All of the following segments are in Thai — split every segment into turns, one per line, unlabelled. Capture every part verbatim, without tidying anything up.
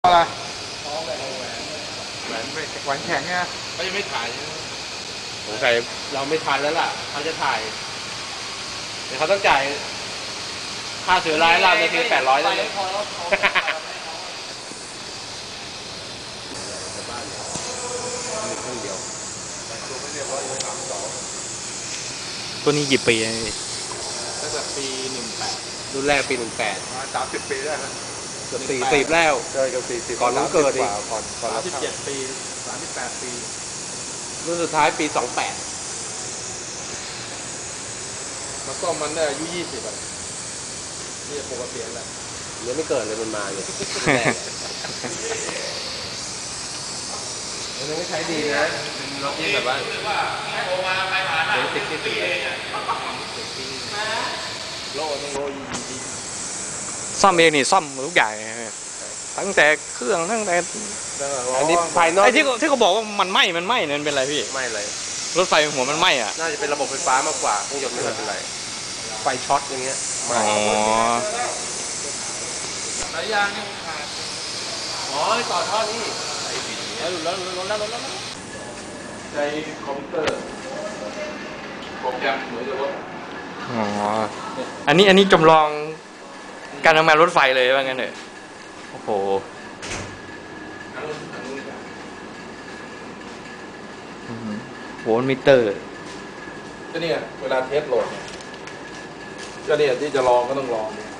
อะไร
ท้องแหวนแหวน
แหวนแหวนแข็งเนี่ย
เขายังไม่ถ่ายสงสัยเราไม่ทันแล้วล่ะเขาจะถ่ายเดี๋ยวเขาต้องจ่ายค่าเสือร้ายเราจะคือแปดร้อยแล้วเลย
ตัวนี้กี่ปีอะ
ตั้งแต่ปีหนึ่งแปดรุ่นแรกปีหนึ่งแปด
สามสิบปีได้แล้ว
เกือบสี่สิบแล้ว
เกิดกับสี่สิบ
ก่อนน้องเกิดอีก
ก่อนก่อน
สามสิบเจ็ดปี
สามสิบแปดปี
รุ่นสุดท้ายปีสองแปด
มาซ่อมมันได้อายุยี่สิบอ่ะนี่ปกติแหละ
ยังไม่เกิดเลยมันมาเนี่ยมันไม่ใช้ดีนะเป็นรถที่แบบว่าเดี๋ยวติดที่ติดเลยโล่ต้องโล่ยีดี
ซ่อมเองนี่ซ่อมทุกอย่างตั้งแต่เครื่องตั้งแต่
อันนี้ภายนอก
ไอ้ที่ที่เขาบอกว่ามันไหม้มันไหม้นั่นเป็นไรพี่
ไม่เลย
รถไฟหัวมันไหม้อ่ะ
น่าจะเป็นระบบไฟฟ้ามากกว่าเครื่องยนต์ไม่เป็นไรไฟช็อตอย่างเงี้ย
อ๋อ
สายยางนี่ขาดอ๋อต่อท่อนี่แล้วแล้วแล้วแล้วแล้ว
ใช้คอมพิวเตอร์โปรแกรมเหมือนกับรถ
อ๋ออันนี้อันนี้จำลองการทำงานรถไฟเลยว่างั้นเถอะโอ้โหโวลต์มิเตอร์
ก็เนี่ยเวลาเทสโหลดเนี่ยก็เนี่ยที่จะลองก็ต้องลองเนี่ย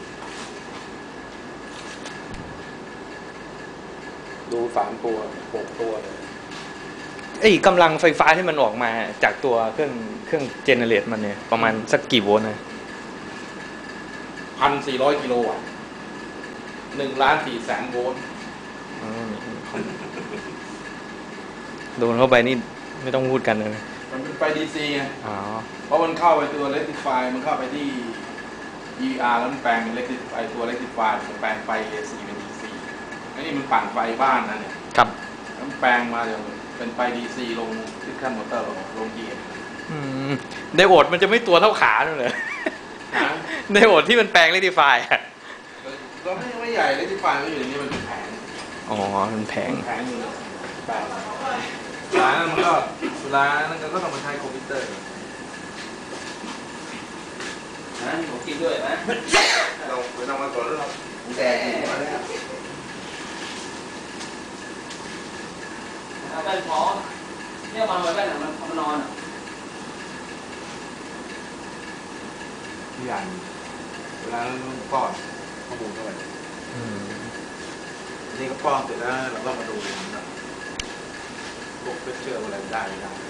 ดูสามตัวหกตัวเลย
ไอ้กำลังไฟฟ้าที่มันออกมาจากตัวเครื่องเครื่องเจเนเรตมันเนี่ยประมาณสักกี่โวลต์นะ
พันสี่ร้อยกิโลวัตต์หนึ่งล้านสี่แสนโวลต์
โดนเข้าไปนี่ไม่ต้องพูดกันเลย
มันเป็นไฟดีซีไง
อ๋อ
เพราะมันเข้าไปตัว rectifier มันเข้าไปที่ อี อาร์ แล้วมันแปลงเป็น rectifier ตัว rectifier มันแปลงไฟ เอ ซี เป็น ดี ซี อันนี้มันปั่นไฟบ้านนะเนี่ย
ครับ
มันแปลงมาจากเป็นไฟ ดี ซี ลงที่ขั้นมอเตอร์ลงลงเกียร์
ไดโอดมันจะไม่ตัวเท่าขาเลยไดโอดที่มันแปลง rectifier อ่ะ
ก็ไม่ไม่ใหญ่ rectifier ก็อยู่ในนี้มันเป็นแผง
อ๋อมันแผง
แผงอยู่แปลงเวลานั้นมันก็เวลานั้นก็ต้องมาใช้คอมพิวเตอร์
นะผมกินด้วยนะ
เราไปทำมาก่อนแล้วเราแดงมาแล้ว
เอาไปพอเนี่ยมันไว้ไปไหนมันมันนอน
ที่อย่างเวลาป้อนข้อมูลเข้าไปนี่ก็ป้อนเสร็จแล้วเราก็มาดูนะพวกเชื่ออะไรได้ไม่ได้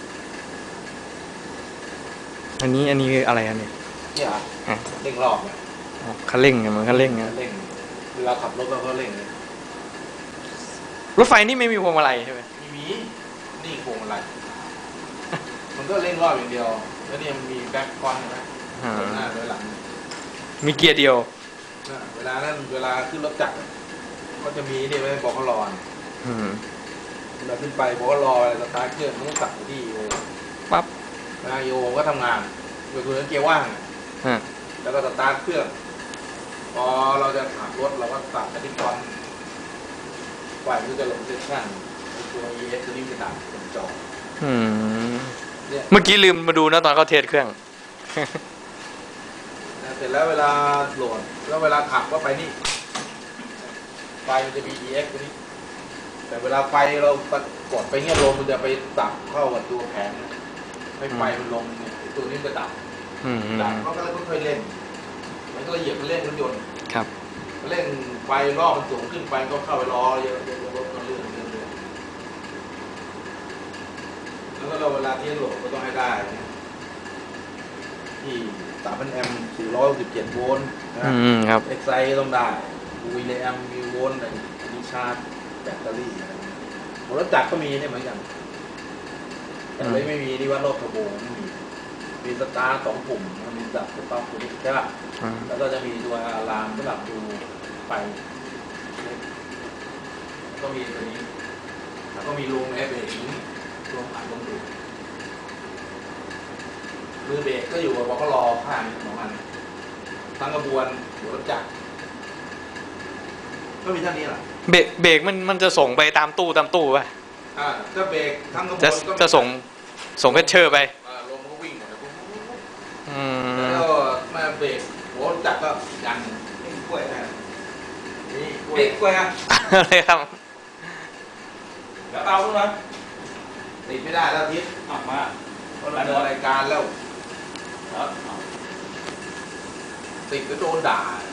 อันนี้อันนี้อะไรอันนี้
เนี่ยเร่งรอบเนี่ย
คันเร่งไงมันคันเร่งไง
เร่งเวลาขับรถเราก็เร่งเลย
รถไฟนี่ไม่มีพวงมาลัยใช่ไหม
ไม่มีนี่พวงมาลัยมันก็เร่งรอบอย่างเดียวแล้วเนี่ยมันมีแบ็คคอนใช่ไหมหน้าด้วยหลัง
มีเกียร์เดียว
เวลานั้นเวลาขึ้นรถจักรก็จะมีนี่ไว้บอกเขารอเราขึ้นไปบอกว่ารออะไรสตาร์ทเครื่องต้องสั่งที่โอ
ปั๊บ
นายโอก็ทำงานโดยคือเกียร์ว่างแล้วก็สตาร์ทเครื่องพอเราจะขับรถเราก็สั่งกระดิ่งก่อนไฟมันจะลงเซสชั่นตัว อี เอส ตัวนี้จะดับเป็นจอ
เมื่อกี้ลืมมาดูนะตอนเขาเทสเครื่อง
เสร็จแล้วเวลาโหลดแล้วเวลาขับก็ไปนี่ไฟมันจะมี อี เอ็กซ์ ตัวนี้แต่เวลาไฟเรากดไปเงี้ยลมมันจะไปตับเข้ากับตัวแผงให้ไฟมันลงเนี่ยตัวนี้จะดับดับเขาก็เลยค่อยๆเล่นมันก็เหยียบมันเล่นรถยนต์
ครับ
เล่นไฟรอบมันสูงขึ้นไปก็เข้าไปรอเยอะๆรถก็เลื่อนเลื่อนแล้วก็เราเวลาที่โหลดก็ต้องให้ได้ที่สามพันแอมป์สี่ร้อยหกสิบเจ็ดโวลต์นะครับเอ็กไซต้องได้วีเลแอมมีโวลต์มีชาร์จแบตเตอรี่รถจักรก็มีเนี่ยเหมือนกันแต่ไม่ไม่มีที่ว่ารถเทอร์โบไม่มีมีสตาร์สองปุ่มมีดับสต็อปตัวนี้ใช่ป่ะแล้วก็จะมีตัวอะลามสำหรับดูไฟก็มีตัวนี้แล้วก็มีรูมเอฟเองรวมอัดลงดูมือเบรกก็อยู่กับเขารอข้างของมันทั้งกระบวนหัวรถจักรก็มีเท่านี้แหละ
เบรกเบรกมันมันจะส่งไปตามตู้ตามตู้ป่ะ
อ่าถ้าเบรกทั้งขบวน
จะ
ก็
จะส่งส่งเพชเชอร์ไป
อ่าลมก็วิ่งหมดเลย
อืม
แล้วก็มาเบรกหัวจักรก็ยันนี่กล้วยนะนี่กล้วย
เด็กกว่า
อะไรครับ
แล้วเอาขึ้นมา
ติดไม่ได้แล้วทิศ
ออกมา
เพราะเราเดินรายการแล้ว
แล้ว
ติดก็โดนด่า